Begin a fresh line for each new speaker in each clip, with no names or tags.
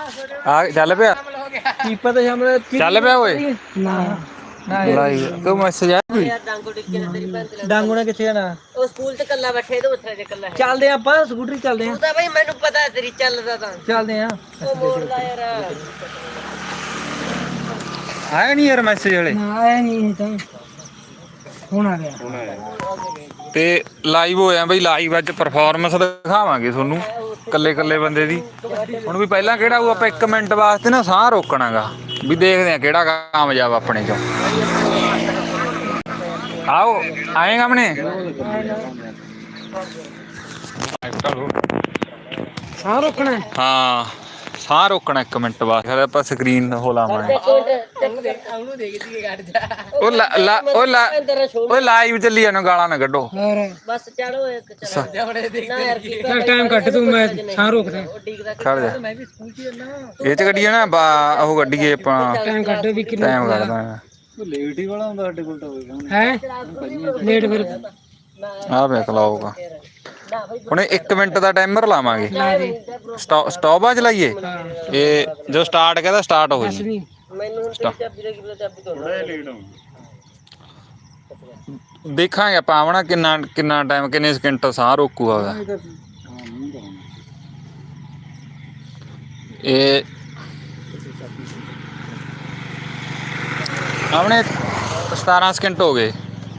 ਆ ਚੱਲ ਪਿਆ
ਕੀ ਪਤਾ ਸ਼ਾਮ
ਚੱਲ ਪਿਆ ਓਏ
ਨਾ
ਲਾਈਵ ਕੋਈ ਮੈਸੇਜ ਆਇਆ ਕੋਈ
ਡਾਂਗੂਣਾ ਕਿੱਥੇ ਜਾਣਾ
ਉਹ ਸਕੂਲ ਤੇ ਕੱਲਾ ਬੈਠੇ ਤੇ ਉੱਥੇ ਜੇ ਕੱਲਾ
ਚੱਲਦੇ ਆਪਾਂ ਸਕੂਟਰੀ ਚੱਲਦੇ
ਤੂੰ ਤਾਂ ਬਈ ਮੈਨੂੰ ਪਤਾ ਤੇਰੀ ਚੱਲਦਾ ਤਾਂ
ਚੱਲਦੇ ਆ
ਉਹ ਮੋੜਦਾ ਯਾਰ
ਆਇਆ ਨਹੀਂ ਯਾਰ ਮੈਸੇਜ ਵਾਲੇ
ਨਾ ਆਇਆ ਨਹੀਂ ਤਾਂ ਹੁਣ ਆ ਗਿਆ
ਤੇ ਲਾਈਵ ਹੋਇਆ ਬਈ ਲਾਈਵ ਅੱਜ ਪਰਫਾਰਮੈਂਸ ਦਿਖਾਵਾਂਗੇ ਤੁਹਾਨੂੰ ਕੱਲੇ ਕੱਲੇ ਬੰਦੇ ਦੀ ਹੁਣ ਵੀ ਪਹਿਲਾਂ ਕਿਹੜਾ ਉਹ ਆਪਾਂ 1 ਮਿੰਟ ਵਾਸਤੇ ਨਾ ਸਾਹ ਰੋਕਣਾਗਾ ਵੀ ਦੇਖਦੇ ਆ ਕਿਹੜਾ ਕਾਮਯਾਬ ਆਪਣੇ ਚੋਂ ਆਓ ਆਏਗਾ ਆਪਣੇ
ਸਾਹ ਰੋਕਣਾ
ਹਾਂ ਸਾਹ ਰੋਕਣਾ 1 ਮਿੰਟ ਬਾਅਦ ਫਿਰ ਆਪਾਂ ਸਕਰੀਨ ਹੋ ਲਾਵਾਂਗੇ
ਉਹਨੂੰ ਦੇਖ ਜੀ ਕੱਢ ਜਾ
ਉਹ ਲਾਈਵ ਚੱਲੀ ਜਾਣਾ ਗਾਲਾਂ ਨਾ ਕੱਢੋ
ਹੋਰ
ਬਸ ਚਲੋ ਇੱਕ ਚਲੋ ਨਾ ਯਾਰ ਕੀ
ਚੱਲ ਟਾਈਮ ਕੱਟ ਤੂੰ ਮੈਂ ਸਾਹ ਰੋਕਦਾ
ਖੜ ਜਾ
ਮੈਂ ਵੀ ਸਕੂਲ 'ਚ ਜਾਣਾ
ਇਹ ਚ ਗੱਡੀਏ ਨਾ ਉਹ ਗੱਡੀਏ ਆਪਾਂ
ਟਾਈਮ ਕੱਟ ਵੀ ਕਿੰਨਾ
ਟਾਈਮ ਕੱਢਦਾ
ਲੇਟ ਹੀ ਵਾਲਾ ਹੁੰਦਾ ਸਾਡੇ ਕੋਲ ਤਾਂ ਹੋਏਗਾ ਹੈ ਲੇਟ ਫਿਰ
ਆ ਵੇਖ ਲਾਓਗਾ ਹੁਣ 1 ਮਿੰਟ ਦਾ ਟਾਈਮਰ ਲਾਵਾਂਗੇ ਸਟਾਪ ਆ ਚਲਾਈਏ ਇਹ ਜੋ ਸਟਾਰਟ ਕਹਿੰਦਾ ਸਟਾਰਟ ਹੋ ਜੀ
ਮੈਨੂੰ ਹੁਣ ਤੇਰੀ ਚਾਬੀ ਦੇ ਕਿਵੇਂ ਚਾਬੀ ਤੋਂ ਲੇਟ ਹੋ
ਦੇਖਾਂਗੇ ਆਪਾਂ ਆਵਣਾ ਕਿੰਨਾ ਟਾਈਮ ਕਿੰਨੇ ਸਕਿੰਟ ਸਾਹ ਰੋਕੂਗਾ ਉਹਦਾ ਇਹ ਆਪਣੇ 17 ਸਕਿੰਟ ਹੋ ਗਏ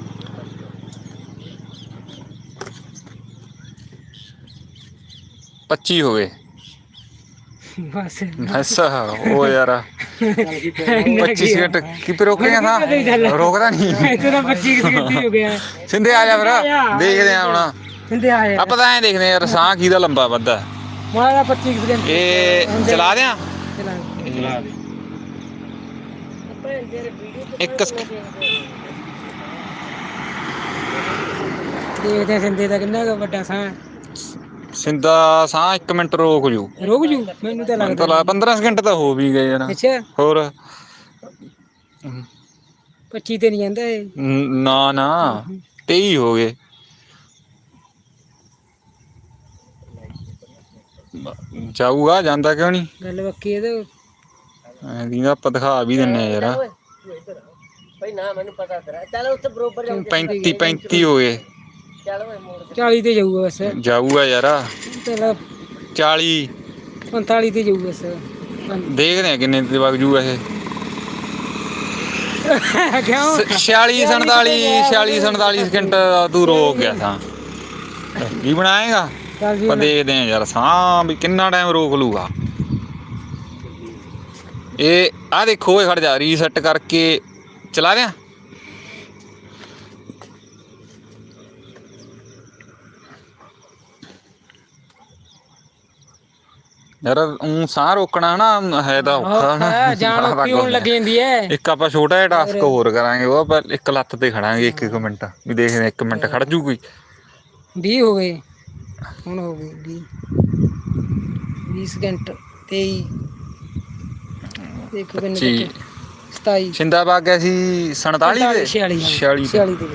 25 ਹੋ ਗਏ
ਬਸ
ਬਸ ਉਹ ਯਾਰ 25 ਸਕਿੰਟ ਕੀ ਰੋਕੇਗਾ ਥਾ ਰੋਕਦਾ ਨਹੀਂ
ਤੇਰਾ 25 ਸਕਿੰਟ ਹੀ ਹੋ ਗਿਆ
ਸਿੰਧੇ ਆ ਜਾ ਫਿਰ ਦੇਖਦੇ ਆ ਹੁਣ
ਸਿੰਧੇ ਆ ਯਾਰ
ਆਪਾਂ ਤਾਂ ਐਂ ਦੇਖਦੇ ਯਾਰ ਸਾਹ ਕਿਹਦਾ ਲੰਬਾ ਵੱਧਾ
ਮਾਰਾ 25 ਸਕਿੰਟ
ਇਹ ਚਲਾ ਦਿਆਂ
ਚਲਾ ਦੇ
ਇੱਕ
ਦੇਖਦੇ ਸਿੰਧੇ ਦਾ ਕਿੰਨਾ ਕੁ ਵੱਡਾ ਸਾਹ
ਸਿੰਧਾ ਸਾਹ 1 ਮਿੰਟ ਰੋਕ ਜੂ
ਰੁਕ ਜੂ ਮੈਨੂੰ ਤਾਂ ਲੱਗਦਾ
15 ਸਕਿੰਟ ਤਾਂ ਹੋ ਵੀ ਗਏ ਯਾਰ
ਅੱਛਾ
ਹੋਰ
25 ਤੇ ਨਹੀਂ ਜਾਂਦਾ ਇਹ
ਨਾ ਨਾ 23 ਹੋ ਗਏ ਜਾਊਗਾ ਜਾਂਦਾ ਕਿਉਂ ਨਹੀਂ
ਗੱਲ ਬੱਕੀ ਇਹਦੇ
ਐਂ ਆਪਾਂ ਦਿਖਾ ਵੀ ਦਿੰਨੇ ਯਾਰ
ਬਈ ਨਾ ਮੈਨੂੰ ਪਤਾ ਤੇਰਾ ਚੱਲ ਉੱਥੇ ਬਰੋਬਰ
35 ਹੋ ਗਏ
ਚੱਲ ਓਏ ਮੋੜ
40 ਤੇ ਜਾਊਗਾ ਬਸ
ਜਾਊਗਾ ਯਾਰ
ਚਲ
40
45 ਤੇ ਜਾਊਗਾ ਬਸ
ਦੇਖਦੇ ਆ ਕਿੰਨੇ ਤੇ ਵਗ ਜੂਗਾ ਇਹ
ਕਿਉਂ
46 47 ਸਕਿੰਟ ਤੂੰ ਰੋਕ ਗਿਆ ਤਾਂ ਕੀ ਬਣਾਏਗਾ
ਚੱਲ ਜੀ
ਆਪਾਂ ਦੇਖਦੇ ਆ ਯਾਰ ਸਾਹ ਵੀ ਕਿੰਨਾ ਟਾਈਮ ਰੋਕ ਲੂਗਾ ਇਹ ਆ ਦੇਖੋ ਇਹ ਖੜ ਜਾ ਰੀਸੈਟ ਕਰਕੇ ਚਲਾ ਦਿਆਂ ਯਾਰ ਸਾਹ ਰੋਕਣਾ ਨਾ ਹੈ ਤਾਂ ਔਖਾ ਨਾ
ਜਾਨ ਔਖੀ ਹੋਣ ਲੱਗ ਜਾਂਦੀ ਹੈ
ਇੱਕ ਆਪਾਂ ਛੋਟਾ ਜਿਹਾ ਟਾਸਕ ਹੋਰ ਕਰਾਂਗੇ ਉਹ ਆਪਾਂ ਇੱਕ ਲੱਤ ਤੇ ਖੜਾਂਗੇ 1 ਮਿੰਟ ਵੀ ਦੇਖਦੇ 1 ਮਿੰਟ ਖੜ ਜੂ ਕੋਈ
20 ਹੋ ਗਏ ਹੁਣ ਹੋ ਗਏ 20 ਸਕਿੰਟ 23 ਦੇਖੋ ਕਿੰਨੇ 27
ਸਿੰਦਾ ਵਗ ਗਿਆ ਸੀ 47 ਦੇ
46 ਤੇ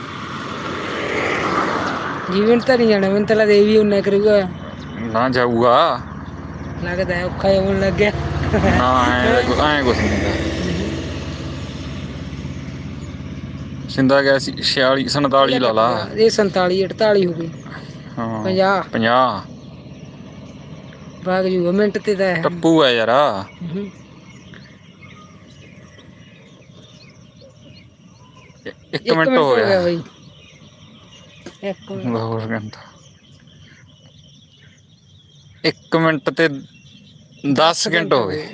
ਜੀਵਨ ਤਾਂ ਨਹੀਂ ਜਾਣਾ ਮੈਨੂੰ ਤਾਂ ਲੱਗਦਾ ਇਹ ਵੀ ਉਨਾ ਕਰੂਗਾ
ਨਾ ਜਾਊਗਾ
ਲੱਗਦਾ ਹੈ ਔਖਾ ਹੋਣ ਲੱਗ ਗਿਆ
ਨਾ ਐ ਕੁਛ ਨਹੀਂ ਹੁੰਦਾ ਸਿੰਦਾ ਗਿਆ ਸੀ 46 47 ਲਾ ਲਾ
ਇਹ 47 48 ਹੋ ਗਈ
ਹਾਂ
50 ਭਾਗ ਜੂਗਾ ਮਿੰਟ ਤੇ ਤਾਂ ਹੈ
ਟੱਪੂ ਹੈ ਯਾਰ ਇੱਕ ਮਿੰਟ ਹੋ ਗਿਆ
ਬਈ 1
ਹੋਰ ਘੰਟਾ 1 ਮਿੰਟ ਤੇ 10 ਸਕਿੰਟ ਹੋ ਗਏ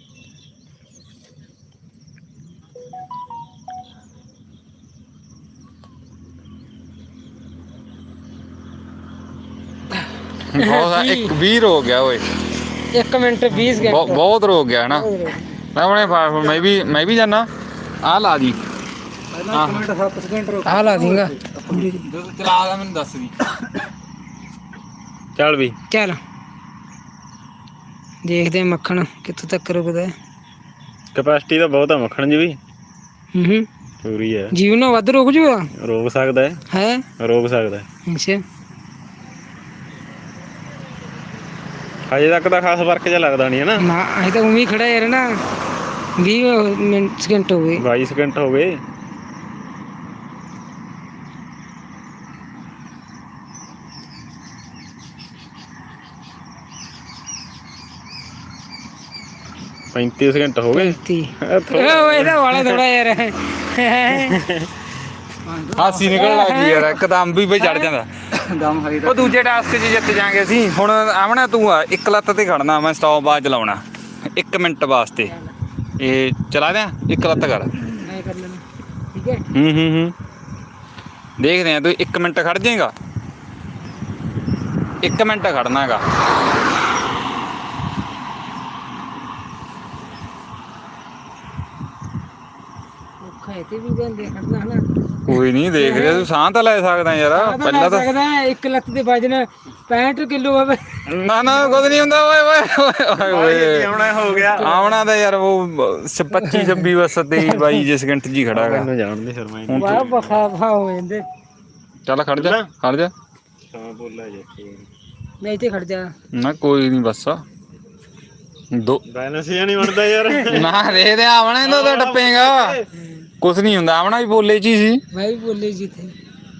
ਬਹੁਤ 20 ਹੋ ਗਿਆ ਓਏ
1 ਮਿੰਟ 20 ਸਕਿੰਟ
ਬਹੁਤ ਰੋਕ ਗਿਆ ਨਾ ਮੈਂ ਵੀ ਜਾਣਾ ਆ ਲਾ ਦੀ
1 ਮਿੰਟ 7 ਸਕਿੰਟ ਆ ਲਾ ਦੂੰਗਾ
ਚਲਾ ਦਾ ਮੈਨੂੰ ਦੱਸ ਦੀ ਚੱਲ ਵੀ
ਚੱਲ ਦੇਖਦੇ ਮੱਖਣ ਕਿੱਥੋਂ ਤੱਕ ਰੁਕਦਾ
ਕੈਪੈਸਿਟੀ ਤਾਂ ਬਹੁਤ ਆ ਮੱਖਣ ਜੀ ਵੀ
ਹੂੰ
ਪੂਰੀ ਹੈ
ਜੀਵਨ ਨਾਲ ਵੱਧ ਰੁਕ ਜੂਗਾ
ਰੋਕ ਸਕਦਾ
ਹੈ
ਰੋਕ ਸਕਦਾ
ਅੱਛਾ
ਹਜੇ ਤੱਕ ਤਾਂ ਖਾਸ ਫਰਕ ਜਿਹਾ ਲੱਗਦਾ ਨਹੀਂ ਹੈ ਨਾ।
ਨਾ ਅਜੇ ਤਾਂ ਉਵੇਂ ਹੀ ਖੜਾ ਯਾਰ ਨਾ 20 ਮਿੰਟ ਸਕਿੰਟ ਹੋ ਗਏ।
22 ਸਕਿੰਟ ਹੋ ਗਏ। पैंतीस घंटे हो गए।
ਇਹਦਾ ਵਾਲਾ ਥੋੜਾ ਯਾਰ
ਹਾਸੀ ਨਿਕਲ ਲੱਗੀ ਯਾਰ ਇੱਕਦਮ ਵੀ ਬਈ ਚੜ ਜਾਂਦਾ ਉਹ ਦੂਜੇ ਟਾਸਕ 'ਚ ਜਿੱਤ ਜਾਾਂਗੇ ਅਸੀਂ। ਹੁਣ ਆਵਣਾ ਤੂੰ ਆ ਇੱਕ ਲੱਤ ਤੇ ਖੜਨਾ, ਮੈਂ ਸਟਾਪ ਬਾਅਦ ਚਲਾਉਣਾ 1 ਮਿੰਟ ਵਾਸਤੇ। ਇਹ ਚਲਾ ਦਿਆਂ, ਇੱਕ ਲੱਤ ਕਰ।
ਮੈਂ ਕਰ ਲੈਣਾ ਠੀਕ ਹੈ।
ਹੂੰ ਦੇਖਦੇ ਆ, ਤੂੰ 1 ਮਿੰਟ ਖੜ ਜਾਏਗਾ। 1 ਮਿੰਟ ਖੜਨਾ ਹੈਗਾ।
ਔਖਾ ਹੈ ਤੇ ਵੀ ਕਹਿੰਦੇ ਖੜਨਾ ਹਨਾ।
ਕੋਈ ਨਹੀਂ, ਦੇਖ ਰਿਹਾ ਤੂੰ ਸਾਹ ਤਾਂ ਲੈ ਸਕਦਾ ਯਾਰ। ਪਹਿਲਾਂ ਤਾਂ
ਸਕਦਾ ਇੱਕ ਲੱਤ ਦੇ ਵਜਨ 65 ਕਿਲੋ ਹੋਵੇ।
ਨਾ ਕੁਝ ਨਹੀਂ ਹੁੰਦਾ। ਓਏ ਓਏ
ਆਉਣਾ ਹੋ ਗਿਆ।
ਆਉਣਾ ਤਾਂ ਯਾਰ ਉਹ 25 26 ਬਸ 23 22 ਸਕਿੰਟ ਜੀ ਖੜਾ ਹੈਗਾ।
ਮੈਨੂੰ ਜਾਣਦੇ ਫਿਰ ਮੈਂ
ਵਾਹ ਬਖਾ ਹੋ ਜਾਂਦੇ।
ਚੱਲ ਖੜ ਜਾ ਖੜ ਜਾ।
ਹਾਂ ਬੋਲਾ ਜੇ
ਨਹੀਂ ਤੇ ਖੜ ਜਾ।
ਨਾ ਕੋਈ ਨਹੀਂ ਬਸ ਦੋ
ਬੈਲੈਂਸ ਜਿਹਾ ਨਹੀਂ ਬਣਦਾ ਯਾਰ।
ਨਾ ਦੇ ਦੇ ਆਵਣਾ ਇਹਦਾ ਤਾਂ ਟੱਪੇਗਾ। ਕੁਛ ਨਹੀਂ ਹੁੰਦਾ, ਆਵਣਾ ਵੀ ਬੋਲੇ ਚ ਹੀ ਸੀ।
ਮੈਂ ਵੀ ਬੋਲੇ ਜੀ ਥੇ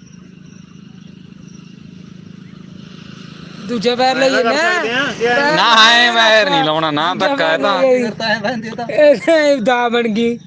ਦੂਜਾ ਪੈਰ ਲਈ ਨਾ
ਨਾ ਹੈ ਪੈਰ ਨਹੀਂ ਲਾਉਣਾ ਨਾ, ਧੱਕਾ ਹੈ ਤਾਂ
ਇਹ ਦਾ ਬਣ ਗਈ।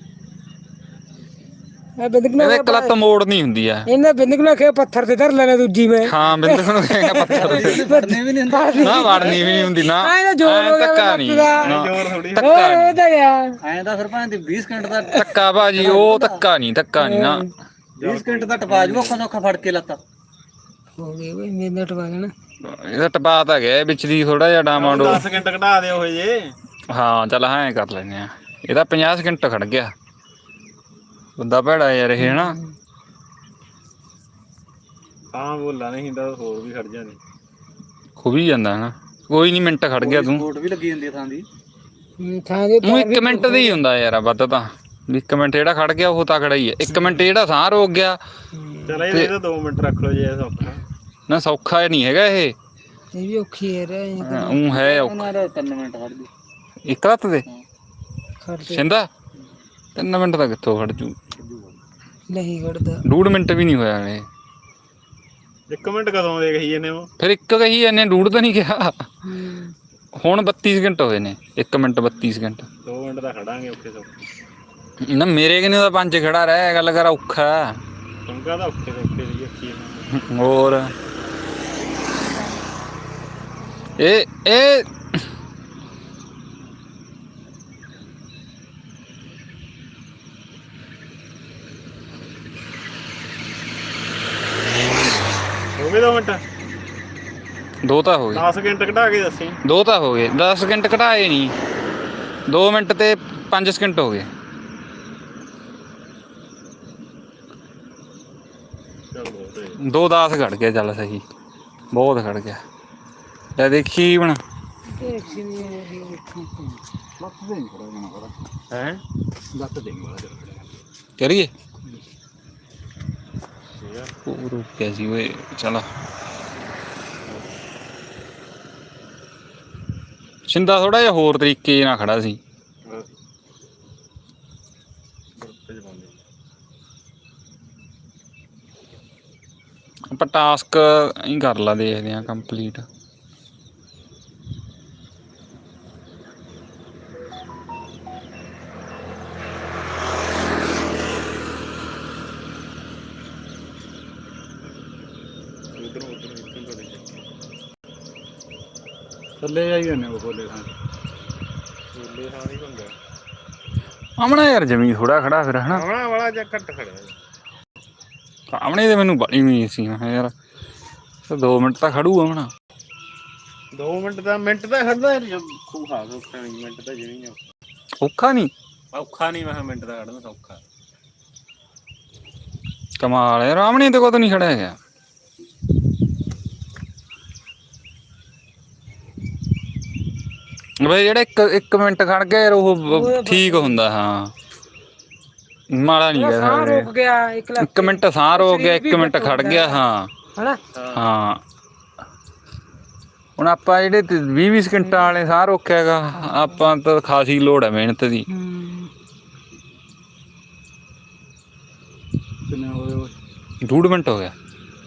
ਇਹ ਬਿੰਦਕ
ਇਹਦੇ ਇੱਕ ਲੱਤ ਮੋੜ ਨਹੀਂ ਹੁੰਦੀ ਆ।
ਇਹਨਾਂ ਬਿੰਦਕ ਨੂੰ ਆਖਿਆ ਪੱਥਰ ਤੇ ਧਰ ਲੈਣਾ ਦੂਜੀ ਮੈਂ।
ਹਾਂ ਬਿੰਦਕ ਨੂੰ ਕਹੇਗਾ ਪੱਥਰ ਤੇ।
ਵੜਨੀ ਵੀ ਨਹੀਂ ਹੁੰਦਾ
ਨਾ ਵੜਨੀ ਵੀ ਨਹੀਂ ਹੁੰਦੀ ਨਾ।
ਐਂ ਜ਼ੋਰ ਹੋ ਗਿਆ
ਧੱਕਾ ਨਹੀਂ,
ਜ਼ੋਰ ਥੋੜੀ
ਧੱਕਾ ਨਹੀਂ,
ਉਹਦਾ ਯਾਰ
ਐਂ ਤਾਂ ਸਰਪੰਚ ਦੀ 20 ਸਕਿੰਟ ਦਾ
ਧੱਕਾ ਭਾਜੀ ਉਹ ਧੱਕਾ ਨਹੀਂ ਨਾ।
20 ਸਕਿੰਟ ਦਾ ਟਪਾ ਜੂ ਔਖਾ ਫੜ ਕੇ ਲੱਤਾਂ
ਹੋ ਗਏ ਓਏ ਮੇਰੇ ਟਪਾ ਗਿਆ ਨਾ।
ਇਹਦਾ ਟਪਾ ਤਾਂ ਗਿਆ ਵਿੱਚ ਦੀ ਥੋੜਾ ਜਿਹਾ ਡਾਮਾਂਡੋ।
10 ਸਕਿੰਟ ਘਟਾ ਦਿਓ ਜੇ।
ਹਾਂ ਚੱਲ ਐਂ ਕਰ ਲੈਨੇ ਆ। ਇਹਦਾ 50 ਸਕਿੰਟ ਖੜ ਗਿਆ। ਬੰਦਾ ਭੈੜਾ ਯਾਰ ਇਹ ਹਨਾ।
ਹਾਂ ਬੋਲਾ ਨਹੀਂ ਤਾਂ ਹੋਰ ਵੀ ਖੜ ਜਾਂਦੇ।
ਖੁਬੀ ਜਾਂਦਾ ਹਨਾ। ਕੋਈ ਨਹੀਂ ਮਿੰਟ ਖੜ ਗਿਆ ਤੂੰ।
ਕੋਟ ਵੀ ਲੱਗੀ ਜਾਂਦੀ ਥਾਂ ਦੀ।
ਥਾਂ ਦੇ
ਉਹ 1 ਮਿੰਟ ਦਾ ਹੀ ਹੁੰਦਾ ਯਾਰ ਵੱਧ ਤਾਂ। 1 ਮਿੰਟ ਜਿਹੜਾ ਖੜ ਗਿਆ ਉਹ ਤਕੜਾ ਹੀ ਹੈ। 1 ਮਿੰਟ ਜਿਹੜਾ ਸਾਹ ਰੋਕ ਗਿਆ।
ਚਲ ਇਹ ਤਾਂ 2 ਮਿੰਟ ਰੱਖ ਲਓ ਜੇ ਸੌਖਾ
ਨਾ ਸੌਖਾ ਨਹੀਂ ਹੈਗਾ ਇਹ।
ਇਹ ਵੀ ਔਖੀ ਹੈ ਰੇ
ਉਹ ਹੈ ਔਖਾ।
ਉਹਨਾਂ ਦਾ 3 ਮਿੰਟ ਖੜ ਗਈ।
ਇੱਕ ਲੱਤ ਦੇ
ਖੜਦੇ
ਸਿੰਦਾ 3 ਮਿੰਟ ਦਾ ਕਿੱਥੋਂ ਖੜ ਜੂ।
ਨਹੀਂ ਖੜਦਾ।
2 ਮਿੰਟ ਵੀ ਨਹੀਂ ਹੋਇਆ ਇਹ।
1 ਮਿੰਟ ਕਦੋਂ ਦੇ ਕਹੀ ਜਾਂਦੇ ਹੋ?
ਫਿਰ ਇੱਕ ਕਹੀ ਇਹਨੇ 2 ਤਾਂ ਨਹੀਂ ਕਿਹਾ। ਹੁਣ 32 ਸਕਿੰਟ ਹੋਏ ਨੇ। 1 ਮਿੰਟ 32 ਸਕਿੰਟ।
2 ਮਿੰਟ ਦਾ ਖੜਾਂਗੇ ਔਖੇ ਸੌਖੇ।
ਨਾ ਮੇਰੇ ਕਿਨੇ ਦਾ 5 ਖੜਾ ਰਹਿ ਗੱਲ ਕਰ ਔਖਾ।
ਤੁੰਗਾ ਦਾ ਔਖੇ ਸੌਖੇ ਦੀ ਅੱਖੀ
ਹੋਰ ਇਹ
ਹੋ ਗਏ 2 ਮਿੰਟ।
2 ਤਾਂ ਹੋ ਗਏ।
10 ਸਕਿੰਟ ਘਟਾ ਕੇ ਦੱਸੀ।
2 ਤਾਂ ਹੋ ਗਏ। 10 ਸਕਿੰਟ ਘਟਾਏ ਨਹੀਂ। 2 ਮਿੰਟ ਤੇ 5 ਸਕਿੰਟ ਹੋ ਗਏ।
ਚਲੋ
2:10 ਖੜ ਗਿਆ। ਚੱਲ ਸਹੀ ਬਹੁਤ ਖੜ ਗਿਆ। ਲੈ ਦੇਖੀ ਹੁਣ
ਹੈ
ਕਰੀਏ। ਉਹ ਰੁਕ ਗਿਆ ਸੀ ਓਏ। ਚਲ ਸਿੰਦਾ ਥੋੜਾ ਜਿਹਾ ਹੋਰ ਤਰੀਕੇ ਨਾਲ ਖੜਾ ਸੀ। ਆਪਾਂ ਟਾਸਕ ਹੀ ਕਰ ਲਾ, ਦੇਖਦੇ ਆ ਕੰਪਲੀਟ।
ਥੱਲੇ ਆਈ ਜਾਂਦੇ ਉਹ ਬੋਲੇ ਥਾਂ ਬੋਲੇ ਥਾਂ ਨਹੀਂ ਹੁੰਦਾ।
ਆਮਣਾ ਯਾਰ ਜਮੀ ਥੋੜਾ ਖੜਾ ਫਿਰ ਹਨਾ।
ਆਉਣਾ ਵਾਲਾ ਜਾਂ ਘੱਟ ਖੜਿਆ।
ਆਮਣੇ ਤੇ ਮੈਨੂੰ ਬੜੀ ਉਮੀਦ ਸੀ। ਮੈਂ ਕਿਹਾ ਯਾਰ 2 ਮਿੰਟ ਤਾਂ ਖੜੂ ਆਮਣਾ।
2 ਮਿੰਟ ਦਾ ਮਿੰਟ ਤਾਂ ਖੜਦਾ ਔਖਾ ਸੌਖਾ ਨਹੀਂ। ਮਿੰਟ ਤਾਂ ਜਿਵੇਂ
ਔਖਾ ਨਹੀਂ
ਔਖਾ ਨਹੀਂ। ਮੈਂ ਕਿਹਾ ਮਿੰਟ ਦਾ ਖੜਨਾ ਸੌਖਾ।
ਕਮਾਲ ਯਾਰ। ਆਮਣੇ ਤੇ ਕਦੋਂ ਨਹੀਂ ਖੜਿਆ ਗਿਆ। ਬਈ ਜਿਹੜਾ 1 ਮਿੰਟ ਖੜ ਗਿਆ ਯਾਰ ਉਹ ਠੀਕ ਹੁੰਦਾ। ਹਾਂ ਮਾੜਾ ਨਹੀਂ ਕਹਿ
ਸਾਹ
ਸਕਦੇ।
ਰੁਕ ਗਿਆ
1 ਮਿੰਟ ਸਾਹ ਰੁਕ ਗਿਆ। 1 ਮਿੰਟ ਖੜ ਗਿਆ। ਹਾਂ
ਹਨਾ।
ਹਾਂ ਹੁਣ ਆਪਾਂ ਜਿਹੜੇ 20 ਸਕਿੰਟਾਂ ਵਾਲੇ ਸਾਹ ਰੋਕਿਆਗਾ ਆਪਾਂ ਤਾਂ ਖਾਸੀ ਲੋੜ ਹੈ ਮਿਹਨਤ ਦੀ।
ਕਿੰਨੇ ਹੋਏ
2 ਮਿੰਟ ਹੋ ਗਿਆ।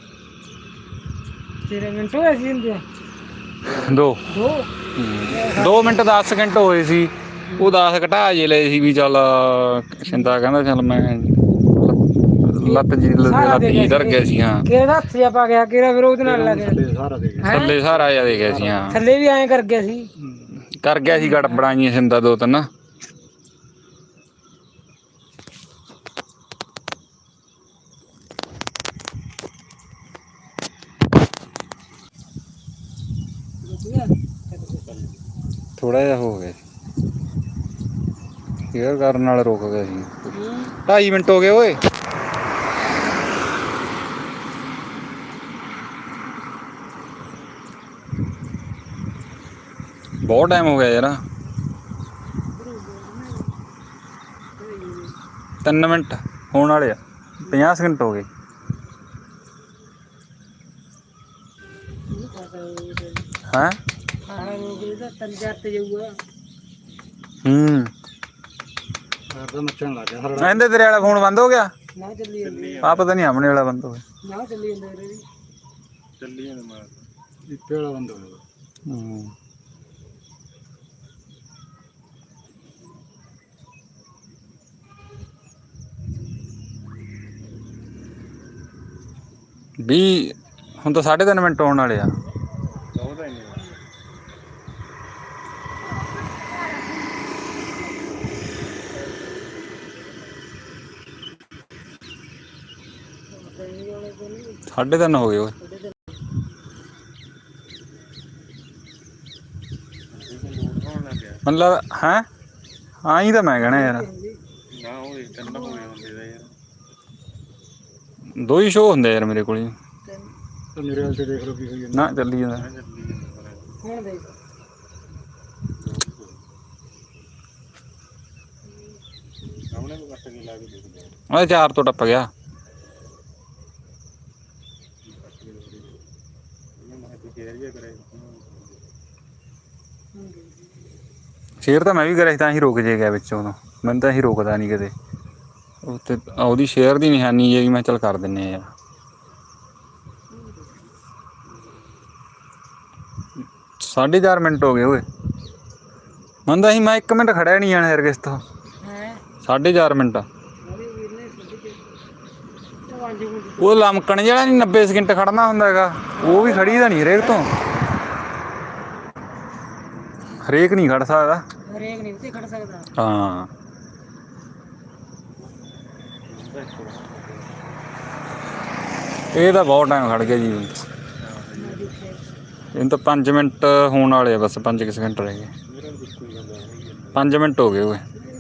ਤੇਰੇ ਮਿੰਟ ਹੋਏ ਸੀ ਹੁੰਦੇ
2
ਦੋ
2 ਮਿੰਟ 10 ਸਕਿੰਟ ਹੋਏ ਸੀ। ਉਹ 10 ਘਟਾ ਜੇ ਲਏ ਸੀ ਵੀ ਚੱਲ ਸਿੰਦਾ ਕਹਿੰਦਾ ਚੱਲ ਮੈਂ ਲੱਤ ਜੀ ਧਰ ਗਿਆ ਸੀ। ਹਾਂ
ਕਿਹੜਾ ਹੱਥ ਜਿਹਾ ਪਾ ਗਿਆ ਕਿਹੜਾ ਫਿਰ ਉਹਦੇ ਨਾਲ ਲੱਗ ਗਿਆ
ਸਾਰਾ ਦੇ
ਥੱਲੇ ਸਾਰਾ ਆ ਦੇ ਗਿਆ ਸੀ। ਹਾਂ
ਥੱਲੇ ਵੀ ਐਂ ਕਰ ਗਿਆ ਸੀ।
ਕਰ ਗਿਆ ਸੀ ਗੜਬੜਾਈਆਂ ਸਿੰਦਾ 2-3। ਥੋੜਾ ਜਿਹਾ ਹੋ ਗਿਆ ਸੀ ਕੇਅਰ ਕਰਨ ਨਾਲ ਰੁਕ ਗਿਆ ਸੀ। 2.5 ਮਿੰਟ ਹੋ ਗਏ ਓਏ। ਬਹੁਤ ਟਾਈਮ ਹੋ ਗਿਆ ਯਾਰ। 3 ਮਿੰਟ ਹੋਣ ਵਾਲੇ ਆ। 50 ਸਕਿੰਟ ਹੋ ਗਏ। ਹੈਂ
ਤਾਂ ਮੱਚਣ ਲੱਗ ਗਿਆ
ਇਹਦੇ ਤੇਰੇ ਵਾਲਾ ਫੋਨ ਬੰਦ ਹੋ ਗਿਆ।
ਨਾ ਚੱਲੀ ਜਾਂਦੇ
ਆ ਪਤਾ ਨਹੀਂ ਆਪਣੇ ਵਾਲਾ ਬੰਦ ਹੋ ਗਿਆ।
ਨਾ ਚੱਲੀ ਜਾਂਦੇ ਰੇ
ਚੱਲੀ ਜਾਂਦੇ ਮਾਰ ਇੱਥੇ ਵਾਲਾ ਬੰਦ ਹੋ ਗਿਆ।
ਵੀ ਹੁਣ ਤਾਂ 3.5 ਮਿੰਟ ਹੋਣ ਵਾਲੇ ਆ।
ਬਹੁਤਾ ਹੀ
ਸਾਢੇ 3 ਹੋ ਗਏ ਓਏ। ਮਤਲਬ ਹੈ ਹਾਂ ਹੀ ਤਾਂ ਮੈਂ ਕਹਿਣਾ ਯਾਰ।
ਨਾ ਉਹ ਤਿੰਨ ਹੋਏ ਹੁੰਦੇ ਦਾ ਯਾਰ।
2 ਹੀ ਸ਼ੋਅ ਹੁੰਦੇ ਯਾਰ ਮੇਰੇ ਕੋਲ।
ਮੇਰੇ ਵਾਲ ਤੇ ਦੇਖ ਲਓ ਕੀ ਹੋਈ ਜਾਂਦਾ।
ਨਾ ਚੱਲੀ ਜਾਂਦਾ।
ਹੁਣ ਦੇਖ
ਸਾਹਮਣੇ ਨੂੰ ਕੱਟ ਕੇ ਲਾ ਕੇ ਦੇਖ ਲਿਆ।
ਉਹਦੇ 4 ਤੋਂ ਟੱਪ ਗਿਆ। ਸ਼ੇਅਰ ਤਾਂ ਮੈਂ ਵੀ ਕਰਿਆ ਸੀ ਤਾਂ ਹੀ ਰੁਕ ਜੇ ਗਿਆ ਵਿੱਚ ਉਦੋਂ। ਮੈਨੂੰ ਤਾਂ ਹੀ ਰੁਕਦਾ ਨਹੀਂ ਕਿਤੇ। ਉੱਤੇ ਉਹਦੀ ਸ਼ੇਅਰ ਦੀ ਨਿਸ਼ਾਨੀ ਹੈ ਮੈਂ ਚੱਲ ਕਰ ਦਿੰਨੇ ਆ ਯਾਰ। ਸਾਢੇ 4 ਮਿੰਟ ਹੋ ਗਏ ਓਏ। ਮੰਨਦਾ ਸੀ ਮੈਂ 1 ਮਿੰਟ ਖੜਿਆ ਨਹੀਂ ਜਾਣਾ ਯਾਰ ਕਿਸ ਤੋਂ। 4.5 ਮਿੰਟ ਉਹ ਲਮਕਣ ਜਿਹੜਾ ਨਹੀਂ 90 ਸਕਿੰਟ ਖੜਨਾ ਹੁੰਦਾ ਹੈਗਾ ਉਹ ਵੀ ਖੜੀ ਦਾ ਨਹੀਂ ਹਰੇਕ ਤੋਂ। ਹਰੇਕ ਨਹੀਂ ਖੜ ਸਕਦਾ।
ਹਰੇਕ ਨਹੀਂ ਉੱਤੇ ਖੜ ਸਕਦਾ।
ਹਾਂ ਇਹ ਤਾਂ ਬਹੁਤ ਟਾਈਮ ਖੜ ਗਿਆ ਜੀ। ਇਹਨੂੰ ਤਾਂ 5 ਮਿੰਟ ਹੋਣ ਵਾਲੇ ਆ ਬਸ। 5 ਸਕਿੰਟ ਰਹਿ ਗਏ। 5 ਮਿੰਟ ਹੋ ਗਏ ਓਏ।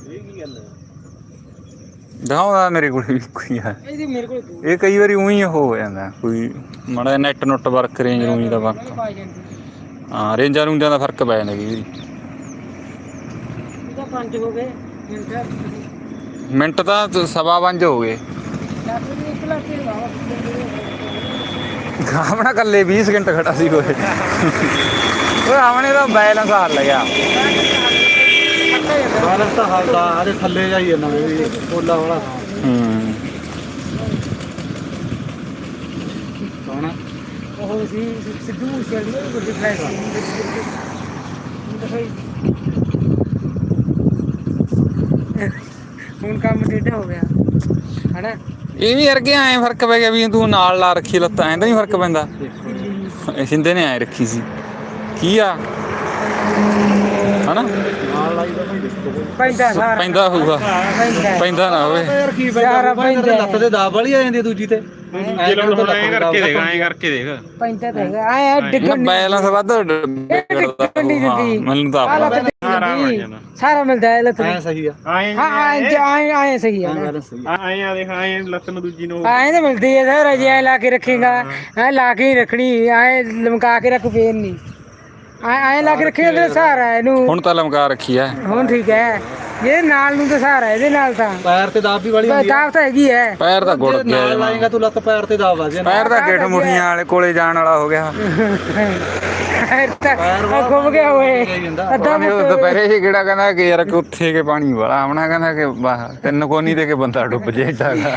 ਦਿਖਾਉਂਦਾ ਮੇਰੇ ਕੋਲ ਵੀ ਕੋਈ ਆ।
ਇਹਦੀ ਮੇਰੇ ਕੋਲ ਦੋ
ਇਹ ਕਈ ਵਾਰੀ ਉਹੀ ਹੋ ਜਾਂਦਾ ਕੋਈ ਮਾੜਾ ਨੈਟ ਨੁੱਟ ਵਰਕ ਰੇਂਜ ਰੂੰਜ ਦਾ ਵਰਕ।
ਪਾ ਜਾਂਦੀ
ਹਾਂ ਰੇਂਜਾਂ ਰੂੰਜਾਂ ਦਾ ਫਰਕ ਪੈ ਜਾਂਦਾ ਕਈ ਵਾਰੀ।
ਇਹਦਾ 5 ਹੋ ਗਏ
ਮਿੰਟ ਤਾਂ 5:15 ਹੋ ਗਏ। ਆਪਣਾ ਕੱਲੇ 20 ਸਕਿੰਟ ਖੜਾ ਸੀ ਓਏ। ਓਏ ਆਵਣੇ ਦਾ ਬੈਲੈਂਸ ਹਾਰ ਲਿਆ।
ਬਾਲਸ ਤਾਂ ਹਾਲਦਾ ਆਰੇ ਥੱਲੇ ਜਾਈ ਜਾਂਦਾ ਵੀ ਪੋਲਾ ਵਾਲਾ। ਕੌਣ
ਉਹ ਸੀ ਸਿੱਧੂ ਮੂਸੇਵਾਲੇ ਦੀ ਵੱਡੀ ਫਲੈਸ਼ ਹੁਣ ਕੰਮ ਟੇਢਾ ਹੋ ਗਿਆ ਹਨਾ।
ਇਹ ਵੀ ਅਰਗੇ ਐਂ ਫਰਕ ਪੈ ਗਿਆ ਵੀ ਤੂੰ ਨਾਲ ਲਾ ਰੱਖੀ ਲੱਤਾਂ ਐਂ ਤਾਂ ਨਹੀਂ ਫਰਕ ਪੈਂਦਾ। ਸਿੰਦੇ ਨੇ ਐਂ ਰੱਖੀ ਸੀ ਕੀ ਆ ਹਨਾ।
ਨਾਲ ਲਾਈ ਦਾ ਭਾਈ ਦੇਖੋ
ਪੈਂਦਾ ਸਾਰਾ
ਪੈਂਦਾ ਹੋਊਗਾ। ਪੈਂਦਾ ਨਾ ਹੋਵੇ
ਯਾਰ ਕੀ
ਸਾਰਾ ਪੈਂਦਾ
ਲੱਤ ਤੇ ਦਾਬ ਵਾਲੀ ਆ ਜਾਂਦੀ ਦੂਜੀ ਤੇ।
ਐਂ ਕਰਕੇ ਦੇਖ
ਪੈਂਦਾ ਤਾਂ ਹੈਗਾ ਆਏ ਡਿੱਗਣ
ਬੈਲੈਂਸ ਵੱਧ ਮੈਨੂੰ ਤਾਂ ਆਪ ਲੱਗਦਾ।
ਸਾਰਾ ਮਿਲਦਾ ਹੈ ਲੱਤ
ਐ ਸਹੀ ਆ।
ਹਾਂ ਆਏ ਸਹੀ ਹੈ
ਬੈਲੈਂਸ ਸਹੀ ਆ।
ਆਏ ਆ ਦੇਖ ਆਏ ਲੱਤ ਨੂੰ ਦੂਜੀ ਨੂੰ
ਆਏ ਤਾਂ ਮਿਲਦੀ ਹੈ ਸਰ ਅਜੇ ਲਾ ਕੇ ਰੱਖੇਗਾ ਐ ਲਾ ਕੇ ਹੀ ਰੱਖਣੀ ਆਏ ਲਮਕਾ ਕੇ ਰੱਖ ਫੇਰ ਨਹੀਂ ਆਏ ਲਾ ਕੇ ਰੱਖੇਗਾ ਤੇ ਸਹਾਰਾ ਇਹਨੂੰ।
ਹੁਣ ਤਾਂ ਲਮਕਾ ਰੱਖੀ ਐ।
ਹੁਣ ਠੀਕ ਹੈ ਇਹ ਨਾਲ ਨੂੰ ਤਾਂ ਸਹਾਰਾ ਇਹਦੇ ਨਾਲ ਤਾਂ
ਪੈਰ ਤੇ ਦਾਬ ਵੀ ਵਾਲੀ ਹੁੰਦੀ ਆ।
ਦਾਬ ਤਾਂ ਹੈਗੀ ਹੈ।
ਪੈਰ ਤਾਂ ਗੁੜ ਗਿਆ
ਨਾਲ ਲਾਏਗਾ ਤੂੰ ਲੱਤ ਪੈਰ ਤੇ ਦਾਬ ਆ ਜੇ।
ਪੈਰ ਤਾਂ ਗਿੱਠ ਮੁੱਠੀਆਂ ਵਾਲੇ ਕੋਲੇ ਜਾਣ ਵਾਲਾ ਹੋ ਗਿਆ।
ਘੁੰਮ ਗਿਆ ਓਏ ਅੱਧਾ
ਉਹ ਦੁਪਹਿਰੇ ਹੀ ਕਿਹੜਾ ਕਹਿੰਦਾ ਕਿ ਯਾਰ ਕਿ ਉੱਥੇ ਕੇ ਪਾਣੀ ਵਾਲਾ ਆਉਣਾ ਕਹਿੰਦਾ ਕਿ ਵਾਹ ਤਿੰਨ ਕੋਨੀ ਤੇ ਕੇ ਬੰਦਾ ਡੁੱਬ ਜੇ ਏਡਾ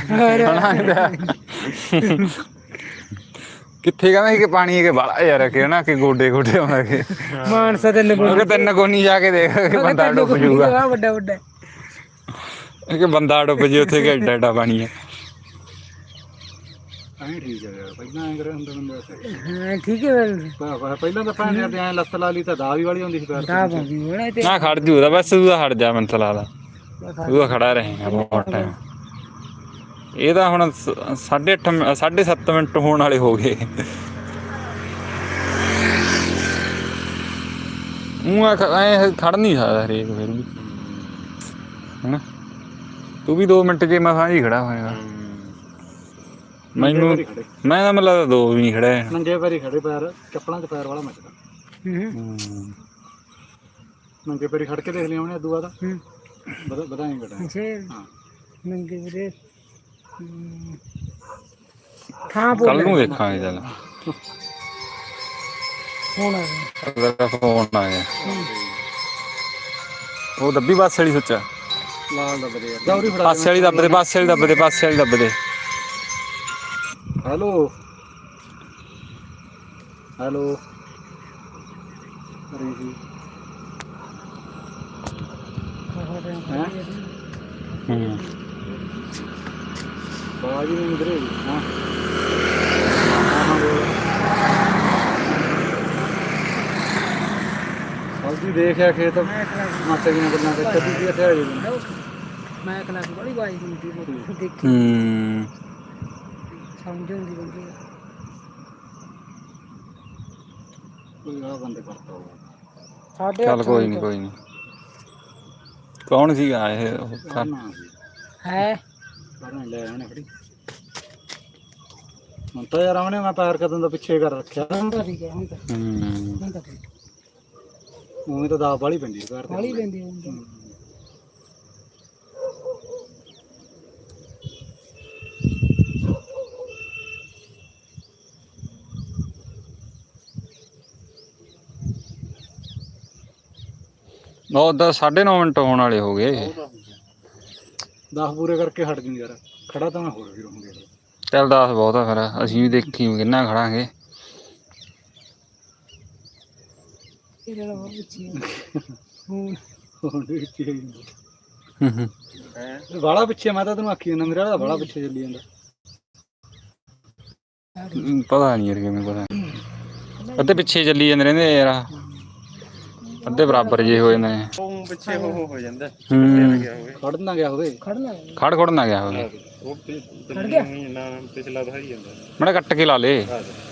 ਕਿੱਥੇ ਕਹਿੰਦਾ ਸੀ ਕਿ ਪਾਣੀ ਕੇ ਵਾਲਾ ਯਾਰ ਕਿ ਨਾ ਕਿ ਗੋਡੇ ਗੋਡੇ ਆਉਂਦਾ ਕਿ
ਮਾਨਸਾ ਤੇ
ਉਹ ਤਿੰਨ ਕੋਨੀ ਜਾ ਕੇ ਦੇਖ ਕਿ ਬੰਦਾ ਡੁੱਬ ਜੂਗਾ
ਵੱਡਾ ਵੱਡਾ
ਕਿ ਬੰਦਾ ਡੁੱਬ ਜੇ ਉੱਥੇ ਕਿ ਏਡਾ ਏਡਾ ਪਾਣੀ ਹੈ
ਐਂ ਠੀਕ ਹੈ ਯਾਰ ਪਹਿਲਾਂ ਐਂ ਕਰਿਆ ਹੁੰਦਾ ਬੰਦਾ
ਹਾਂ ਠੀਕ ਹੈ
ਪਹਿਲਾਂ ਤਾਂ ਭੈਣ ਤੇ ਐਂ ਲੱਤ ਲਾ ਲਈ ਤਾਂ ਦਾ ਵੀ ਵਾਲੀ ਹੁੰਦੀ ਸੀ ਪੈਰ
ਦਾ ਬੰਦੀ ਹੋਣਾ ਤੇ
ਨਾ ਖੜ ਜੂਦਾ ਬਸ ਤੂੰ ਤਾਂ ਹਟ ਜਾ ਮੈਨੂੰ ਤਾਂ ਲੱਗਦਾ ਤੂੰ ਤਾਂ ਖੜਾ ਰਹੇਗਾ ਬਹੁਤ ਟਾਈਮ ਇਹ ਤਾਂ ਹੁਣ 8:30 7:30 ਮਿੰਟ ਹੋਣ ਵਾਲੇ ਹੋ ਗਏ ਐ ਖੜ ਨਹੀਂ ਸਕਦਾ ਹਰੇਕ ਫਿਰ ਵੀ ਹੈਨਾ ਤੂੰ ਵੀ 2 ਮਿੰਟ ਜੇ ਮਸਾਂ ਹੀ ਖੜਾ ਹੋਏਗਾ ਮੈਨੂੰ ਮੈਂ ਤਾਂ ਮਤਲਬ 2 ਵੀ ਨਹੀਂ ਖੜਾ
ਨੰਗੇ ਪੈਰੀ ਖੜੇ ਪੈਰ ਚੱਪਲਾਂ 'ਚ ਪੈਰ ਵਾਲਾ ਮੱਚਦਾ ਨੰਗੇ ਪੈਰੀ ਖੜ ਕੇ ਦੇਖ ਲਿਆ ਉਹਨੇ ਅੱਦੂ ਬਾਅਦ ਵਧਾਈ ਘਟਾ ਹਾਂ
ਨੰਗੇ ਵੀਰੇ ਥਾਂ
ਕੱਲ ਨੂੰ ਦੇਖਾਂਗੇ ਚੱਲ
ਹੁਣ
ਉਹਦਾ ਫੋਨ ਆ ਗਿਆ ਉਹ ਦੱਬੀ ਬੱਸ ਵਾਲੀ ਸੱਚਾ
ਲਾਲ ਦੱਬਦੇ ਯਾਰ ਦੌਰੀ ਫੜਾ
ਪਾਸੇ ਵਾਲੀ ਦੱਬਦੇ ਪਾਸੇ ਵਾਲੀ ਦੱਬਦੇ ਪਾਸੇ ਵਾਲੀ ਦੱਬਦੇ
ਹੈਲੋ ਹੈਲੋ ਅਰੇ ਜੀ ਬਾਜੀ ਨਹੀਂ ਨਿਕਰੇ ਹਾਂ ਸਬਜ਼ੀ ਦੇਖਿਆ ਖੇਤ ਮਾਤਾ ਜੀ ਨੇ ਗੱਲਾਂ ਕਰ ਕਦੀ ਕੀ ਇੱਥੇ ਆ ਜੀ
ਮੈਂ ਕਲਾਸ ਬੜੀ ਬਾਈ ਹੁੰਦੀ ਦੇਖੀ ਸਮਝ ਹੁੰਦੀ ਬੰਦੀ
ਕੋਈ ਆ ਬੰਦੇ ਕਰਤਾ ਹੋਗਾ
ਸਾਡੇ
ਚੱਲ ਕੋਈ ਨਹੀਂ ਕੌਣ ਸੀਗਾ ਇਹ
ਹੈ
ਪਰਾਂ ਲੈ ਆਣੇ ਖੜੀ ਹੁਣ ਤਾਂ ਯਾਰ ਆਉਣੇ ਮੈਂ ਪੈਰ ਕਦੋਂ ਦਾ ਪਿੱਛੇ ਕਰ ਰੱਖਿਆ
ਹੁਣ ਤਾਂ ਠੀਕ ਹੈ ਹੁਣ ਤਾਂ ਠੀਕ
ਉਵੇਂ ਤਾਂ ਦਾਬ ਵਾਲੀ ਪੈਂਦੀ ਪੈਰ
ਵਾਲੀ ਲੈਂਦੀ ਹੁੰਦੀ
ਉਹ ਤਾਂ 9:30 ਮਿੰਟ ਹੋਣ ਵਾਲੇ ਹੋ ਗਏ
10 ਪੂਰੇ ਕਰਕੇ ਹਟ ਜੂ ਯਾਰ ਖੜਾ ਤਾਂ ਮੈਂ ਹੋਰ ਵੀ ਰਹੂੰਗਾ
ਚੱਲ 10 ਬਹੁਤ ਆ ਫਿਰ ਅਸੀਂ ਵੀ ਦੇਖੀ ਕਿੰਨਾ ਖੜਾਂਗੇ
ਇਹਦਾ ਹੋਰ ਪੁੱਛੀ ਹੁਣ
ਵਾਲਾ ਪਿੱਛੇ ਮੈਂ ਤਾਂ ਤੈਨੂੰ ਆਖੀ ਜਾਂਦਾ ਮੇਰਾ ਤਾਂ ਵਾਲਾ ਪਿੱਛੇ ਚੱਲੀ ਜਾਂਦਾ
ਪਤਾ ਨਹੀਂ ਯਾਰ ਕਿਵੇਂ ਪਤਾ ਅੱਧੇ ਪਿੱਛੇ ਚੱਲੀ ਜਾਂਦੇ ਰਹਿੰਦੇ ਯਾਰ ਅੱਧੇ ਬਰਾਬਰ ਜੇ ਹੋ ਜਾਂਦੇ ਨੇ
ਉਹ ਪਿੱਛੇ ਹੋ ਜਾਂਦਾ
ਖੜ ਨਾ ਗਿਆ ਹੋਵੇ
ਖੜ ਨਾ ਗਿਆ ਹੋਵੇ
ਉਹ
ਖੜ ਗਿਆ
ਨਾ ਪਿਛਲਾ ਤਾਂ ਹੀ ਜਾਂਦਾ
ਮੜਾ ਕੱਟ ਕੇ ਲਾ ਲੇ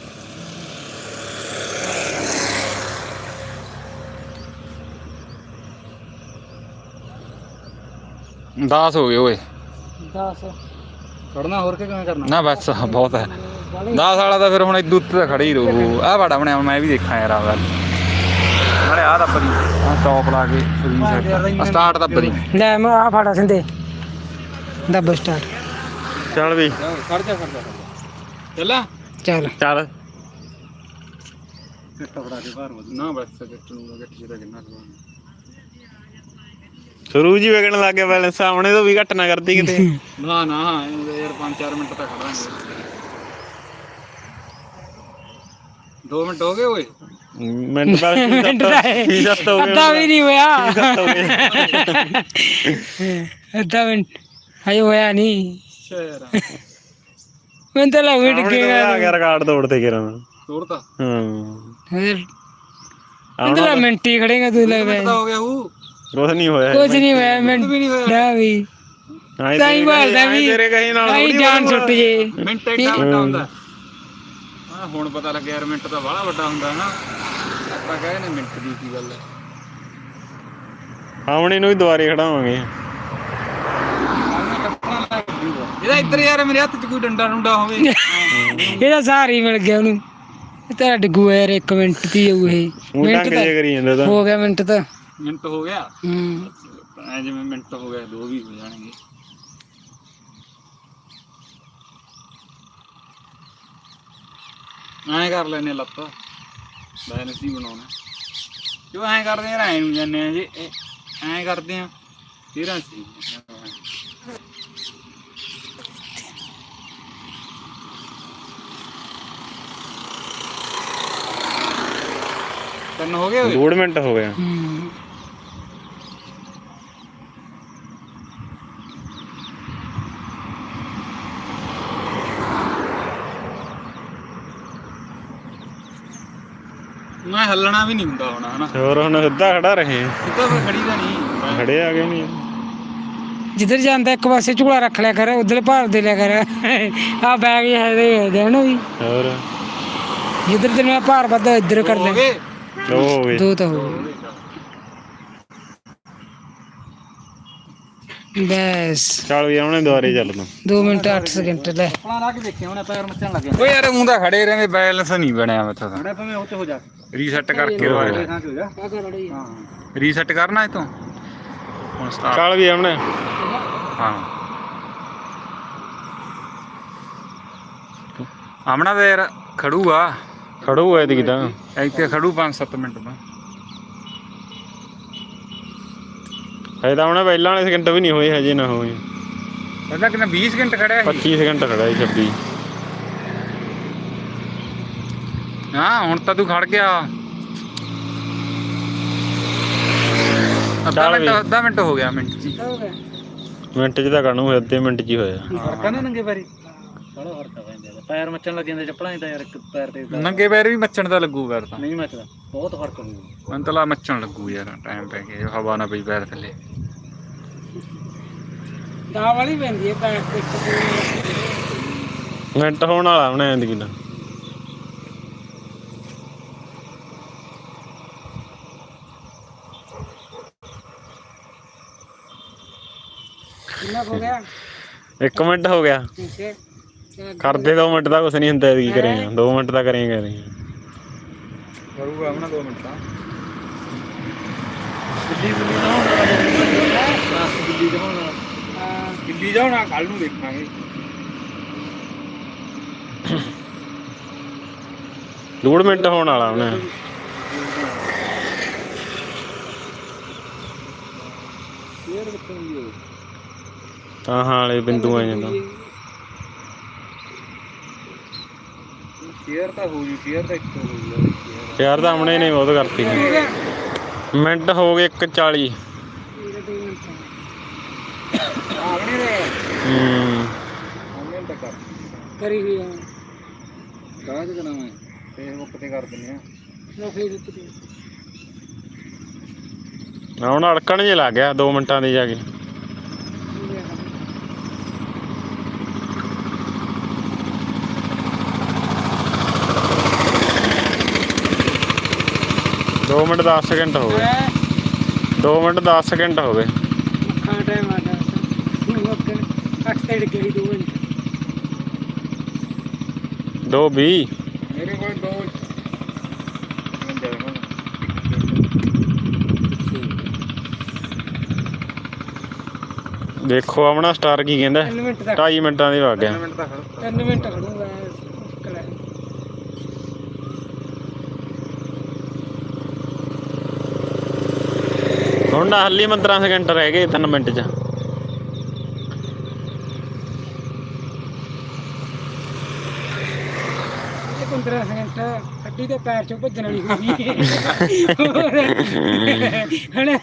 ਦਸ ਹੋ ਗਏ ਓਏ
10
ਖੜਨਾ ਹੋਰ ਕਿ ਕਿਵੇਂ ਕਰਨਾ
ਨਾ ਬਸ ਬਹੁਤ ਹੈ 10 ਵਾਲਾ ਤਾਂ ਫਿਰ ਹੁਣ ਇਦੋਂ ਉੱਤੇ ਤਾਂ ਖੜੇ ਹੀ ਰਹੂ ਆਹ ਬੜਾ ਬਣਿਆ ਮੈਂ ਵੀ ਦੇਖਾਂ ਯਾਰ ਆਹ ਨਾਲੇ ਆਹ ਦੱਬਦੀ ਆਹ ਟੌਪ ਲਾ ਕੇ ਸਟਾਰਟ ਦੱਬਦੀ
ਲੈ ਮੈਂ ਆ ਫਾੜਾ ਸਿੰਦੇ ਦੱਬ ਸਟਾਰਟ
ਚੱਲ ਵੀ
ਖੜ ਜਾ ਚੱਲਾ
ਚੱਲ
ਚੱਲ
ਕਿੱਟਾ ਫੜਾ ਕੇ ਬਾਹਰ ਨਾ ਬਸ ਕਿੱਟ ਨੂੰ ਗੱਟੀ ਦਾ ਕਿੰਨਾ
ਸ਼ੁਰੂ ਜੀ ਵਗਣ ਲੱਗ ਗਿਆ ਬੈਲੈਂਸ ਸਾਹਮਣੇ ਤੋਂ ਵੀ ਘੱਟ ਨਾ ਕਰਦੀ ਕਿਤੇ
ਨਾ ਯਾਰ 5-4 ਮਿੰਟ ਤਾਂ ਖੜਾਂਗੇ 2 ਮਿੰਟ ਹੋ ਗਏ ਓਏ
ਮਿੰਟ ਬਾਅਦ ਕੀ ਸੱਤ ਹੋ ਗਿਆ
ਅੱਧਾ ਵੀ ਨਹੀਂ ਹੋਇਆ ਅੱਧਾ ਮਿੰਟ ਹਜੇ ਹੋਇਆ ਨਹੀਂ
ਸ਼ੇਰ
ਮੈਂ ਤਾਂ ਲਾ ਵੇਟ
ਆ
ਗਿਆ
ਗਿਆ ਰਿਕਾਰਡ ਤੋੜਤੇ ਕਿਰਾਂ
ਤੋੜਤਾ
ਫਿਰ ਅੰਦਲਾ ਮਿੰਟ ਹੀ ਖੜੇਗਾ ਤੂੰ ਲੱਗਦਾ
ਹੋ ਗਿਆ ਹੂ
ਕੁਛ ਨਹੀਂ ਹੋਇਆ
ਕੁਝ ਨਹੀਂ ਹੋਇਆ ਮਿੰਟ ਵੀ ਨਹੀਂ ਹੋਇਆ ਵੀ ਤਾਂ ਹੀ ਬੋਲਦਾ ਵੀ
ਤੇਰੇ ਕਹੀ ਨਾਲ
ਆਈ ਜਾਨ ਛੁੱਟ ਜੇ
ਮਿੰਟ ਐਡਾ ਵੱਡਾ ਹੁੰਦਾ ਹਾਂ ਹੁਣ ਪਤਾ ਲੱਗਿਆ ਯਾਰ ਮਿੰਟ ਤਾਂ ਬਾਹਲਾ ਵੱਡਾ ਹੁੰਦਾ ਹੈ ਨਾ ਆਪਾਂ ਕਹੇ ਨੇ ਮਿੰਟ ਦੀ ਕੀ ਗੱਲ ਹੈ
ਆਉਣੇ ਨੂੰ ਵੀ ਦੁਬਾਰੇ ਖੜਾਵਾਂਗੇ
ਇਹਦਾ ਇੱਧਰ ਯਾਰ ਮੇਰੇ ਹੱਥ 'ਚ ਕੋਈ ਡੰਡਾ ਡੁੰਡਾ ਹੋਵੇ
ਇਹਦਾ ਸਹਾਰਾ ਹੀ ਮਿਲ ਗਿਆ ਉਹਨੂੰ ਤੇਰਾ ਡਿੱਗੂ ਯਾਰ 1 ਮਿੰਟ ਦੀ ਉਹ ਇਹ
ਮਿੰਟ ਜੇ ਕਰੀ ਜਾਂਦਾ ਤਾਂ
ਹੋ ਗਿਆ ਮਿੰਟ ਤਾਂ
ਮਿੰਟ ਹੋ ਗਿਆ
ਹੂੰ
ਐ ਜਿਵੇਂ ਮਿੰਟ ਹੋ ਗਿਆ 2 ਵੀ ਹੋ ਜਾਣਗੇ ਐਂ ਕਰ ਲੈਨੇ ਲੱਤ ਬੈਲੈਂਸ ਹੀ ਬਣਾਉਣਾ ਜੋ ਐਂ ਕਰਦੇ ਆ ਐਂ ਨੂੰ ਜਾਂਦੇ ਆ ਜੇ ਐਂ ਕਰਦੇ ਆ ਫਿਰ ਅਸੀਂ ਤਿੰਨ ਹੋ ਗਏ ਓਏ
2 ਮਿੰਟ ਹੋ ਗਿਆ।
ਮੈਂ ਹੱਲਣਾ ਵੀ ਨਹੀਂ ਹੁੰਦਾ ਹੁਣ ਹਨਾ
ਹੋਰ ਹੁਣ ਸਿੱਧਾ ਖੜਾ ਰਹੇ
ਸਿੱਧਾ ਫਿਰ ਖੜੀ ਦਾ ਨਹੀਂ
ਖੜੇ ਆ ਗਏ ਨਹੀਂ।
ਜਿੱਧਰ ਜਾਂਦਾ ਇੱਕ ਪਾਸੇ ਝੂਲਾ ਰੱਖ ਲਿਆ ਕਰ, ਉਧਰ ਭਾਰ ਦੇ ਲਿਆ ਕਰ। ਆ ਬੈਗ ਹੈ ਦੇਣ ਵੀ,
ਹੋਰ
ਜਿੱਧਰ ਤੈਨੂੰ ਭਾਰ ਵੱਧਦਾ ਇੱਧਰ ਕਰ
ਹੋ
ਲੈ।
ਗਏ
ਉਹ ਹੋ ਗਏ।
2 ਤਾਂ ਹੋ ਗਏ ਬਸ।
ਚੱਲ ਵੀ ਆਉਣੇ ਦੁਆਰੇ ਚੱਲ ਤੂੰ
2 ਮਿੰਟ 8 ਸਕਿੰਟ ਲੈ।
ਆਪਣਾ ਲਾ ਕੇ ਦੇਖਿਆ ਉਹਨੇ ਪੈਰ ਮੱਚਣ ਲੱਗ ਗਿਆ
ਓਏ ਯਾਰ ਊਂ ਤਾਂ ਖੜੇ ਰਹਿੰਦੇ ਬੈਲੈਂਸ ਨਹੀਂ ਬਣਿਆ ਮੈਥੋਂ ਤਾਂ
ਬੜਾ ਭਾਵੇਂ ਉੱਤੇ ਹੋ ਜਾ
ਰੀਸੈਟ ਕਰਕੇ ਦੁਬਾਰਾ
ਥਾਂ ਤੇ ਹੋ ਜਾ ਹਾਂ
ਰੀਸੈਟ ਕਰਨਾ ਇਹ ਤੋਂ ਹੁਣ ਸਟਾਰਟ
ਚੱਲ ਵੀ ਆਉਣੇ।
ਹਾਂ ਆਮਣਾ ਤੇ ਯਾਰ ਖੜੂਗਾ
ਖੜੂ ਐ ਤਾਂ
ਇੱਥੇ ਖੜੂ 5-7 ਮਿੰਟ ਬਾਅਦ
ਹਜੇ ਤਾਂ ਆਉਣਾ ਪਹਿਲਾਂ ਵਾਲੇ ਸਕਿੰਟ ਵੀ ਨਹੀਂ ਹੋਏ ਹਜੇ ਨਾ ਹੋਏ।
ਪਹਿਲਾਂ ਕਿੰਨਾ 20 ਸਕਿੰਟ ਖੜਿਆ ਸੀ
25 ਸਕਿੰਟ ਖੜਾ ਸੀ 26।
ਹਾਂ ਹੁਣ ਤਾਂ ਤੂੰ ਖੜ ਗਿਆ ਅੱਧਾ ਮਿੰਟ ਹੋ ਗਿਆ ਮਿੰਟ ਚ
ਮਿੰਟ 'ਚ ਤਾਂ ਕਾਹਨੂੰ ਹੋਇਆ, ਅੱਧੇ ਮਿੰਟ 'ਚ ਹੀ ਹੋਇਆ।
ਫਰਕ ਆ ਨਾ ਨੰਗੇ ਪੈਰੀ ਬੜਾ ਫਰਕ ਆ ਪੈਂਦਾ ਪੈਰ ਮੱਚਣ ਲੱਗ ਜਾਂਦੇ ਚੱਪਲਾਂ 'ਚ ਤਾਂ ਯਾਰ ਇੱਕ ਪੈਰ ਤੇ
ਨੰਗੇ ਪੈਰ ਵੀ ਮੱਚਣ ਦਾ ਲੱਗੂ ਫਿਰ ਤਾਂ
ਨਹੀਂ ਮੱਚਦਾ ਬਹੁਤ ਫਰਕ ਹੋਊ
ਮੈਨੂੰ ਤਾਂ ਲਾ ਮੱਚਣ ਲੱਗੂ ਯਾਰ ਟਾਈਮ ਪੈ ਗਿਆ ਹਵਾ ਨਾ ਪਈ ਪੈਰ ਥੱਲੇ
ਦਾ ਵਾਲੀ ਪੈਂਦੀ ਹੈ ਪੈਰ ਤੇ
ਮਿੰਟ ਹੋਣ ਵਾਲਾ ਉਹਨੇ ਜ਼ਿੰਦਗੀ ਦਾ।
ਕਿੰਨਾ ਹੋ ਗਿਆ
1 ਮਿੰਟ ਹੋ ਗਿਆ। ਕਰਦੇ 2 ਮਿੰਟ ਦਾ ਕੁਛ ਨਹੀਂ ਹੁੰਦਾ, ਕੀ ਕਰੇਗਾ 2 ਮਿੰਟ ਦਾ ਕਰੇਗਾ
ਕਰੂਗਾ ਆਪਣਾ 2 ਮਿੰਟ ਤਾਂ ਦਿੱਲੀ ਜਾਣਾ ਕੱਲ ਨੂੰ ਦੇਖਾਂਗੇ।
2 ਮਿੰਟ ਹੋਣ ਵਾਲਾ ਉਹਨੇ। ਹਾਂ ਵਾਲੇ ਬਿੰਦੂ ਆ ਜਾਂਦਾ।
ਸ਼ੇਅਰ ਤਾਂ ਹੋ ਜੂ ਸ਼ੇਅਰ ਤਾਂ ਇੱਕ ਹੋ ਜੂ
ਯਾਰ ਤਾਂ ਆਮਣੇ ਨੇ ਬਹੁਤ ਕਰਤੀ ਮਿੰਟ ਹੋ ਗਏ 1:40।
ਆਵਣੇ ਰੇ ਆਵਣੇ ਤਾਂ ਕਰ
ਕਰੀ ਹੋਈ ਆ
ਕਾਹ ਤੇ ਕਰਾਵਾਂ ਫੇਸਬੁੱਕ ਤੇ ਕਰ ਦਿੰਦੇ ਆ
ਲੋ ਫੇਸਬੁੱਕ ਤੇ
ਹੁਣ ਅੜਕਣ ਜੇ ਲੱਗ ਗਿਆ 2 ਮਿੰਟਾਂ ਦੇ ਜਾ ਕੇ। ਦੋ ਮਿੰਟ 10 ਸਕਿੰਟ ਹੋ ਗਏ 2 ਮਿੰਟ 10 ਸਕਿੰਟ ਹੋ ਗਏ।
ਖਾ ਟਾਈਮ ਆ ਗਿਆ ਓਕੇ 8 ਤੇ ਡਿੱਗੇ 2 ਮਿੰਟ
2:20
ਮੇਰੇ ਕੋਲ 2
ਦੇਖੋ ਆਪਣਾ ਸਟਾਰ ਕੀ ਕਹਿੰਦਾ
3 ਮਿੰਟ ਤੱਕ
2.5 ਮਿੰਟਾਂ ਦੇ ਵਗ ਗਿਆ।
3 ਮਿੰਟ ਖੜੂਗਾ ਕਲਾ
ਹੁਣ ਨਾ ਹੱਲੀ 15 ਸਕਿੰਟ ਰਹਿ ਗਏ 3 ਮਿੰਟ 'ਚ।
ਇਹ 15 ਸਕਿੰਟ ਅੱਡੀ ਦੇ ਪੈਰ ਚੋਂ ਭੱਜਣ ਵਾਲੀ ਹੋਈ ਹਣਾ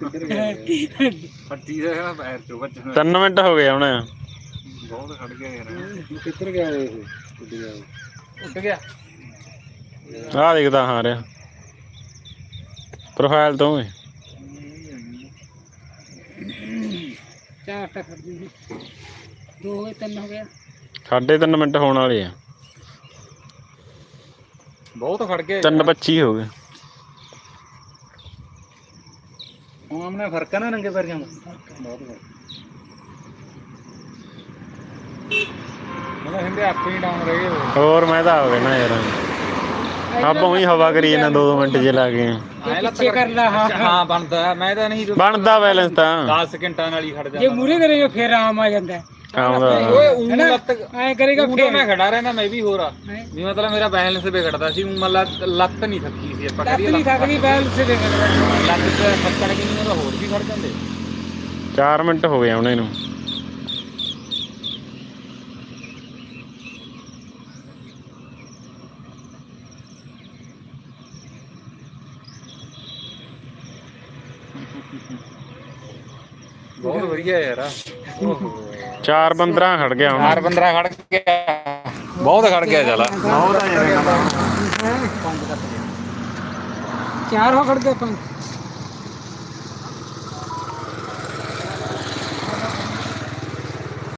ਫੱਟੀ ਦਾ ਪੈਰ ਚੋਂ ਬੱਚਣਾ
3 ਮਿੰਟ ਹੋ ਗਏ ਹੁਣ।
ਬਹੁਤ ਖੜ ਗਿਆ ਯਾਰ
ਕਿੱਧਰ ਗਿਆ ਇਹ
ਉੱਡ ਗਿਆ
ਆਹ ਦੇਖਦਾ ਹਾਂ ਰਿਹਾ ਪ੍ਰੋਫਾਈਲ ਤੋਂ ਵੀ
4 ਤੱਕ ਖੜ ਜੂਗੀ 2 ਹੋ ਗਏ 3 ਹੋ ਗਿਆ
3.5 ਮਿੰਟ ਹੋਣ ਵਾਲੇ ਆ।
ਬਹੁਤ ਖੜ ਗਿਆ
3:25 ਹੋ ਗਏ।
ਹੁਣ ਆਮਨੇ ਫਰਕ ਆ ਨਾ ਨੰਗੇ ਪੈਰੀਆਂ ਦਾ ਬਹੁਤ ਫਰਕ
ਮੈਂ ਹਿੰਦੇ ਆਪੇ ਹੀ ਡਾਊਨ ਰਹਿ ਗਏ
ਹੋਰ ਮੈਂ ਤਾਂ ਆ ਗਿਆ ਨਾ ਯਾਰ ਆਪਾਂ ਉਹੀ ਹਵਾ ਕਰੀ ਜਾਂਦਾ 2 ਮਿੰਟ ਜੇ ਲਾ ਗਏ।
ਪਿੱਛੇ ਕਰ ਲਾ
ਹਾਂ ਬਣਦਾ ਮੈਂ ਤਾਂ ਨਹੀਂ
ਬਣਦਾ ਬੈਲੈਂਸ ਤਾਂ
10 ਸਕਿੰਟਾਂ ਨਾਲ ਹੀ ਖੜ
ਜੇ
ਜਾਂਦਾ
ਮੂਰੇ ਕਰੇਗਾ ਫੇਰ ਆਮ ਆ ਜਾਂਦਾ
ਕੰਮ ਦਾ
ਓਏ ਊਂ ਲੱਤ
ਐ ਕਰੇਗਾ
ਊਂ ਤਾਂ ਮੈਂ ਖੜਾ ਰਹਿਣਾ ਮੈਂ ਵੀ ਹੋਰ ਆ ਵੀ ਮਤਲਬ ਮੇਰਾ ਬੈਲੈਂਸ ਵਿਗੜਦਾ ਸੀ ਊਂ ਮਤਲਬ ਲੱਤ ਨਹੀਂ ਥੱਕੀ ਸੀ ਆਪਾਂ
ਲੱਤ
ਕਰੀਏ
ਨਹੀਂ ਥੱਕਦੀ ਬੈਲ ਸੇ ਦੇ
ਲੱਤ ਤੇ ਫੱਕੜ ਕੇ ਨਹੀਂ ਤਾਂ ਹੋਰ ਵੀ ਖੜ ਜਾਂਦੇ
4 ਮਿੰਟ ਹੋ ਗਏ ਹੁਣ ਇਹਨੂੰ
ਬਹੁਤ ਵਧੀਆ ਯਾਰ
4-15 ਖੜ ਗਿਆ ਹੁਣ
4-15 ਖੜ ਗਿਆ ਬਹੁਤ ਖੜ ਗਿਆ ਚੱਲ
ਚਾਰ ਹੋ ਖੜ ਗਏ 5